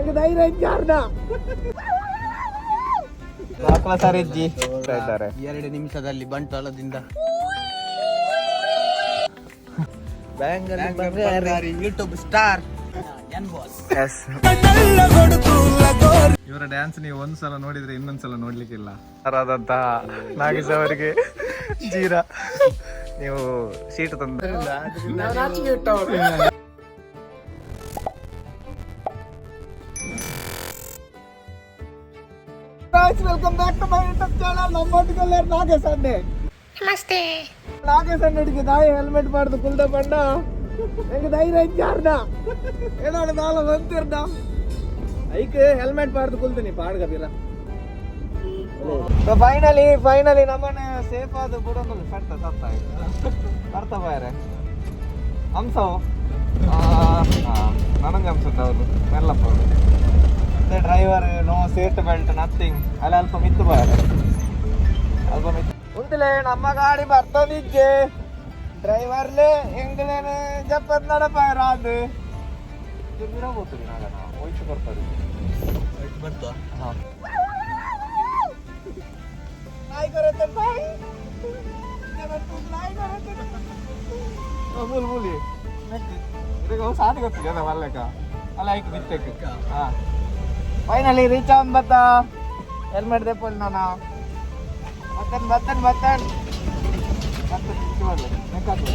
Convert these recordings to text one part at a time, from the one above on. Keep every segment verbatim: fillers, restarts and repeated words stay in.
ಎರಡು ನಿಮಿಷದಲ್ಲಿ ಬಂಟ್ವಾಳದಿಂದ ಯೂಟ್ಯೂಬ್ ಸ್ಟಾರ್ ಇವರ ಡ್ಯಾನ್ಸ್ ನೀವು ಒಂದ್ಸಲ ನೋಡಿದ್ರೆ ಇನ್ನೊಂದ್ಸಲ ನೋಡ್ಲಿಕ್ಕಿಲ್ಲ. ಆದಂತಹ ನಾಗೇಶ್ ಅವರಿಗೆ ಜೀರಾ ನೀವು ಸೀಟ್ ತಂದ welcome back to my YouTube channel. ನಮ್ಮೊಟ್ಟಿಗೆಲ್ಲ ನಾಗೇಶ್ ಅಣ್ಣೆ. ನಮಸ್ತೆ. ನಾಗೇಶ್ ಅಣ್ಣಡಿಗೆ ದಾಯಿ ಹೆಲ್ಮೆಟ್ ಮಾಡ್ದು ಕುಲ್ದ ಬಣ್ಣ ಹೆಂಗ ಧೈರ್ಯ ಇದ್ದಾರ್ನ ಏನಾಡು ನಾಳೆ ಬಂತಿರ್ದ ಐಕ್ ಹೆಲ್ಮೆಟ್ ಮಾಡ್ದು ಕುಲ್ತೀನಿ ಪಾಡ್ಗ ಬೀರ. ಫೈನಲಿ ಫೈನಲಿ ನಮ್ಮನೆ ಸೇಫ್ ಆದ ಬಿಡೋದು ಕಟ್ಟ ಸತ್ತ ಅರ್ಥ ಬಾಯ್ರೆ ಹಂಸವು ನನಗೆ ಅನ್ಸುತ್ತೆ ಅವರು ಮೆಲ್ಲಪ್ಪ ಅವರು driver no seat belt nothing ಅಲ್ಲ ಅಲ್ಪ ಮಿತ್ತು ಬಾಯ್ರೆ ಅಲ್ಪ ಮಿತ್ತು ಉಂಟಲೇ ನಮ್ಮ ಗಾಡಿ ಬರ್ತದಿಜ್ಜೆ ಡ್ರೈವರ್ಲೆ ಹೆಂಗಲೇನು ಜಪ್ಪದ್ ನಡಪಾಯ್ರ ಅದು ಹೋಗ್ತೀವಿ ನಾಗ ನಾವು ಹೋಯ್ತು ಬರ್ತದೆ ಬರ್ತಾ ಹಾಂ नाई करत भाई जब तू नाई करत बोल बोली इधर को साथ करते ज्यादा वाले का अला एक मिस्टेक हां फाइनली रीच ऑन बता हेलमेट दे पल ना बटन बटन बटन बटन चोल नेका तो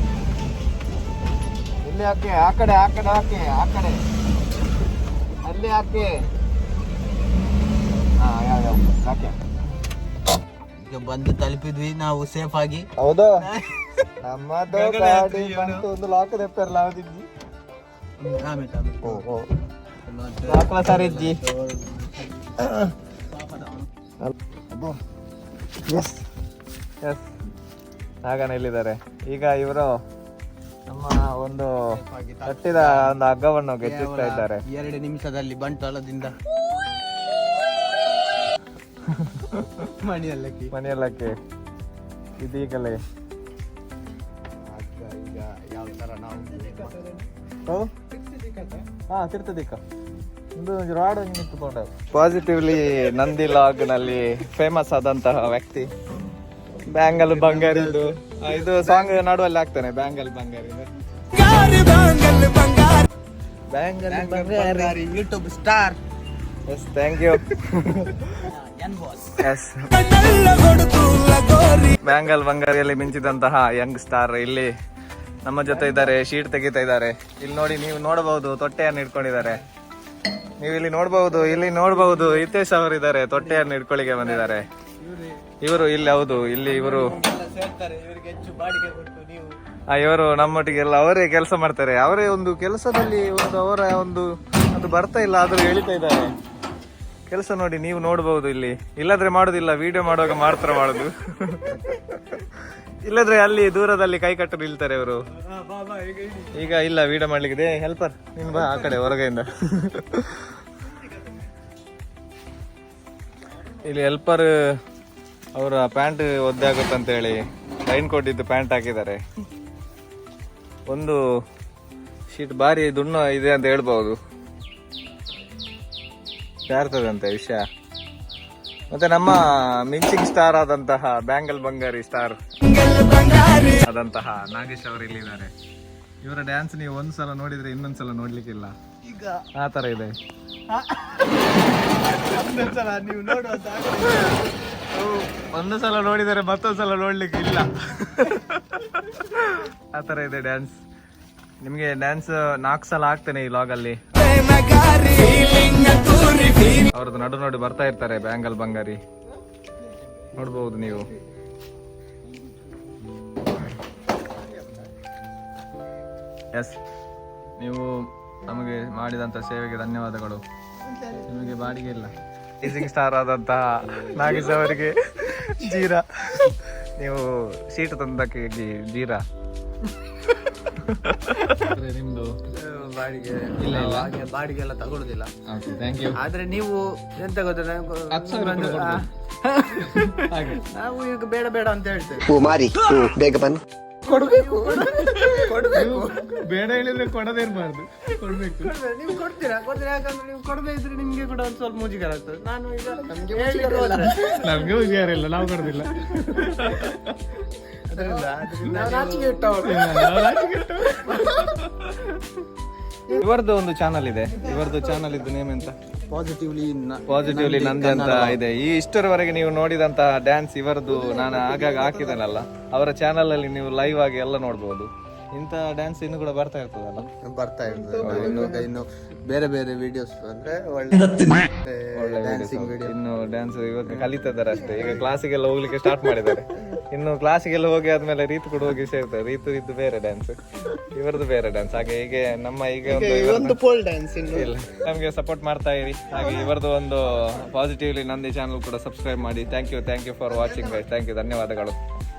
ಇಲ್ಲಿ ಹಾಕಿ ಆ ಕಡೆ ಆ ಕಡೆ ಹಾಕಿ ಆ ಕಡೆ ಅಲ್ಲಿ ಹಾಕಿ ಹಾ ಯಾವ ಯಾವ ಹಾಕಿ ಈಗ ಬಂದು ತಲುಪಿದ್ವಿ ನಾವು ಸೇಫ್ ಆಗಿ. ಹೌದು ನಮ್ಮದು ಗಾಡಿ ಬಂತು ಒಂದು ಲಾಕ್ ದೆಪ್ಪರ್ಲ ಅವದಿದ್ದಿ ಆಮೇಲೆ ಓ ಓ ಲಾಕ್ಲ ಸರಿಜ್ಜಿ ಎಸ್ ಎಸ್ ನಾಗನ ಇಲ್ಲಿದ್ದಾರೆ. ಈಗ ಇವರು ನಮ್ಮ ಒಂದು ಕಟ್ಟಿದ ಒಂದು ಹಗ್ಗವನ್ನು ಗೆಚ್ಚಿಸ್ತಾ ಇದ್ದಾರೆ. ಎರಡು ನಿಮಿಷದಲ್ಲಿ ಬಂಟ್ವಾಳದಿಂದ ಮಣಿಯಲ್ಲಕ್ಕೆ ಮನೆಯಲ್ಲಕ್ಕೆ ಇದೀಗಲೇ ಈಗ ಯಾವ ತರ ನಾವು ಹಾ ತಿರ್ತದಿಕ್ಕ ಒಂದು ರಾಡ್ ನಿಂತುಕೊಂಡ ಪಾಸಿಟಿವ್ಲಿ ನಂದಿ ಲಾಗ್ ನಲ್ಲಿ ಫೇಮಸ್ ಆದಂತಹ ವ್ಯಕ್ತಿ ಬ್ಯಾಂಗಲ್ ಬಂಗಾರಿ. ಇದು ಸಾಂಗ್ ನಡುವಲ್ಲಿ ಆಗ್ತಾನೆ bangle Bangari bangle Bangari YouTube star. Yes thank you yes bangle ಬಂಗಾರಿಯಲ್ಲಿ ಮಿಂಚಿದಂತಹ ಯಂಗ್ ಸ್ಟಾರ್ ಇಲ್ಲಿ ನಮ್ಮ ಜೊತೆ ಇದ್ದಾರೆ. ಶೀಟ್ ತೆಗಿತಾ ಇದ್ದಾರೆ. ಇಲ್ಲಿ ನೋಡಿ, ನೀವು ನೋಡಬಹುದು ತೊಟ್ಟೆಯನ್ನು ಇಟ್ಕೊಂಡಿದ್ದಾರೆ. ನೀವು ಇಲ್ಲಿ ನೋಡಬಹುದು ಇಲ್ಲಿ ನೋಡಬಹುದು ಹಿತೇಶ್ ಅವರು ಇದ್ದಾರೆ, ತೊಟ್ಟೆಯನ್ನು ಇಟ್ಕೊಳ್ಳಿಕ್ಕೆ ಬಂದಿದ್ದಾರೆ. ಇವರು ಇಲ್ಲಿ ಹೌದು ಇಲ್ಲಿ ಇವರು ಇವರು ನಮ್ಮೊಟ್ಟಿಗೆಲ್ಲ ಅವರೇ ಕೆಲಸ ಮಾಡ್ತಾರೆ. ಅವರೇ ಒಂದು ಕೆಲಸದಲ್ಲಿ ಒಂದು ಅವರ ಒಂದು ಅದು ಬರ್ತಾ ಇಲ್ಲ ಆದ್ರೂ ಹೇಳ್ತಾ ಇದ್ದಾರೆ. ಕೆಲಸ ನೋಡಿ, ನೀವು ನೋಡಬಹುದು ಇಲ್ಲಿ. ಇಲ್ಲದ್ರೆ ಮಾಡುದಿಲ್ಲ, ವಿಡಿಯೋ ಮಾಡುವಾಗ ಮಾತ್ರ ಮಾಡುದು. ಇಲ್ಲದ್ರೆ ಅಲ್ಲಿ ದೂರದಲ್ಲಿ ಕೈ ಕಟ್ಟು ನಿಲ್ತಾರೆ ಇವರು. ಈಗ ಇಲ್ಲ ವಿಡಿಯೋ ಮಾಡ್ಲಿಕ್ಕೆ ಹೆಲ್ಪರ್ ನೀನ್ ಬಾ ಆ ಕಡೆ ಹೊರಗೆಯಿಂದ. ಇಲ್ಲಿ ಹೆಲ್ಪರ್ ಅವರ ಪ್ಯಾಂಟ್ ಒದ್ದೆ ಆಗುತ್ತಂತ ಹೇಳಿ ರೈನ್ ಕೋಟ್ ಇದ್ದು ಪ್ಯಾಂಟ್ ಹಾಕಿದ್ದಾರೆ. ಒಂದು ಶೀಟ್ ಬಾರಿ ದುಣ್ಣು ಇದೆ ಅಂತ ಹೇಳ್ಬಹುದು. ಯಾರ್ತದಂತೆ ವಿಷಯ. ಮತ್ತೆ ನಮ್ಮ ಮಿಂಚಿಂಗ್ ಸ್ಟಾರ್ ಆದಂತಹ ಬ್ಯಾಂಗಲ್ ಬಂಗಾರಿ ಸ್ಟಾರ್ ಆದಂತಹ ನಾಗೇಶ್ ಅವರು ಇಲ್ಲಿದ್ದಾರೆ. ಇವರ ಡ್ಯಾನ್ಸ್ ನೀವು ಒಂದ್ಸಲ ನೋಡಿದ್ರೆ ಇನ್ನೊಂದ್ಸಲ ನೋಡ್ಲಿಕ್ಕಿಲ್ಲ, ಈಗ ಆ ತರ ಇದೆ. ನೀವು ನೋಡುವ ಒಂದು ಸಲ ನೋಡಿದರೆ ಮತ್ತೊಂದ್ಸಲ ನೋಡ್ಲಿಕ್ಕೆ ಇಲ್ಲ, ಆ ತರ ಇದೆ ಡ್ಯಾನ್ಸ್. ನಿಮ್ಗೆ ಡ್ಯಾನ್ಸ್ ನಾಲ್ಕು ಸಲ ಆಗ್ತೇನೆ ಈ ಲಾಗ್ ಅಲ್ಲಿ. ಅವ್ರದ್ದು ನಡು ನೋಡಿ ಬರ್ತಾ ಇರ್ತಾರೆ ಬ್ಯಾಂಗಲ್ ಬಂಗಾರಿ, ನೋಡ್ಬಹುದು ನೀವು. ಎಸ್, ನೀವು ನಮಗೆ ಮಾಡಿದಂತ ಸೇವೆಗೆ ಧನ್ಯವಾದಗಳು. ನಿಮಗೆ ಬಾಡಿಗೆ ಇಲ್ಲ. ಟೀಸಿಂಗ್ ಸ್ಟಾರ್ ಆದಂತಹ ನಾಗೇಶ್ ಅವರಿಗೆ ಜೀರಾ, ನೀವು ಸೀಟ್ ತಂದಕ್ಕೆ ಜೀರಾ ನಿಮ್ದು ಬಾಡಿಗೆ ಇಲ್ಲ ಹಾಗೆ ಬಾಡಿಗೆ ಎಲ್ಲ ತಗೊಳುದಿಲ್ಲ. Thank you. ಆದ್ರೆ ನೀವು ಎಂತ ಗೊತ್ತಿಲ್ಲ, ನಾವು ಈಗ ಬೇಡ ಬೇಡ ಅಂತ ಹೇಳ್ತೇವೆ. ಮಾರಿ ಬೇಗ ಬನ್ನಿ. ಕೊಡ್ಬೇಕು ಕೊಡ್ಬೇಕು ಬೇಡ ಹೇಳಿದ್ರೆ ಕೊಡದಿರ್ಬಾರ್ದು, ಕೊಡ್ಬೇಕು. ನೀವು ಕೊಡ್ತೀರಾ ಕೊಡ್ತೀರಾ ಯಾಕಂದ್ರೆ ನೀವು ಕೊಡದೇ ಇದ್ರೆ ನಿಮ್ಗೆ ಕೂಡ ಒಂದು ಸ್ವಲ್ಪ ಮುಜುಗರ ಆಗ್ತದೆ. ನಾನು ಈಗ ನಮ್ಗೆ ನಮ್ಗೆ ಹುಷಾರಿಲ್ಲ, ನಾವು ಕೊಡುದಿಲ್ಲ. ನಾಚಿಕೆ ಇಟ್ಟವರು. ಇವರದ್ದು ಒಂದು ಚಾನಲ್ ಇದೆ, ಇವರದ್ದು ಚಾನಲ್ ಇದ್ದು ನೇಮ್ ಎಂತ? ಪಾಸಿಟಿವ್ಲಿ ಪಾಸಿಟಿವ್ಲಿ ನಂದೆ ಅಂತ ಇದೆ. ಈ ಇಷ್ಟರವರೆಗೆ ನೀವು ನೋಡಿದಂತ ಡ್ಯಾನ್ಸ್ ಇವರದ್ದು ನಾನು ಆಗಾಗ ಹಾಕಿದ್ದೇನಲ್ಲ, ಅವರ ಚಾನಲ್ ಅಲ್ಲಿ ನೀವು ಲೈವ್ ಆಗಿ ಎಲ್ಲ ನೋಡ್ಬೋದು. ಇಂಥ ಡ್ಯಾನ್ಸ್ ಇನ್ನು ಕೂಡ ಬರ್ತಾ ಇರ್ತದಲ್ಲ, ಬರ್ತಾ ಇರ್ತದೆ. ಇನ್ನು ಇನ್ನು ಬೇರೆ ಬೇರೆ ವಿಡಿಯೋಸ್ ಅಂದ್ರೆ ಒಳ್ಳೆ ಡ್ಯಾನ್ಸಿಂಗ್ ವಿಡಿಯೋ. ಇನ್ನು ಡ್ಯಾನ್ಸ್ ಇವತ್ತು ಕಲಿತಾ ಇದ್ದಾರೆ ಅಷ್ಟೇ. ಈಗ ಕ್ಲಾಸಿಗೆಲ್ಲ ಹೋಗ್ಲಿಕ್ಕೆ ಸ್ಟಾರ್ಟ್ ಮಾಡಿದ್ದಾರೆ. ಇನ್ನು ಕ್ಲಾಸಿಗೆಲ್ಲ ಹೋಗಿ ಆದ್ಮೇಲೆ ರೀತು ಕೂಡ ಹೋಗಿ ಸೇರ್ತಾರೆ. ರೀತು ಇದ್ದು ಬೇರೆ ಡ್ಯಾನ್ಸ್, ಇವರದ್ದು ಬೇರೆ ಡ್ಯಾನ್ಸ್. ಹಾಗೆ ಹೀಗೆ ನಮ್ಮ ಈಗ ಒಂದು ಪೋಲ್ ಡ್ಯಾನ್ಸ್ ಇಲ್ಲ ನಮಗೆ ಸಪೋರ್ಟ್ ಮಾಡ್ತಾ ಇರಿ. ಹಾಗೆ ಇವರದ್ದು ಒಂದು ಪಾಸಿಟಿವ್ಲಿ ನಂದಿ ಚಾನಲ್ ಕೂಡ ಸಬ್ಸ್ಕ್ರೈಬ್ ಮಾಡಿ. Thank you thank you for watching guys. Thank you, ಧನ್ಯವಾದಗಳು.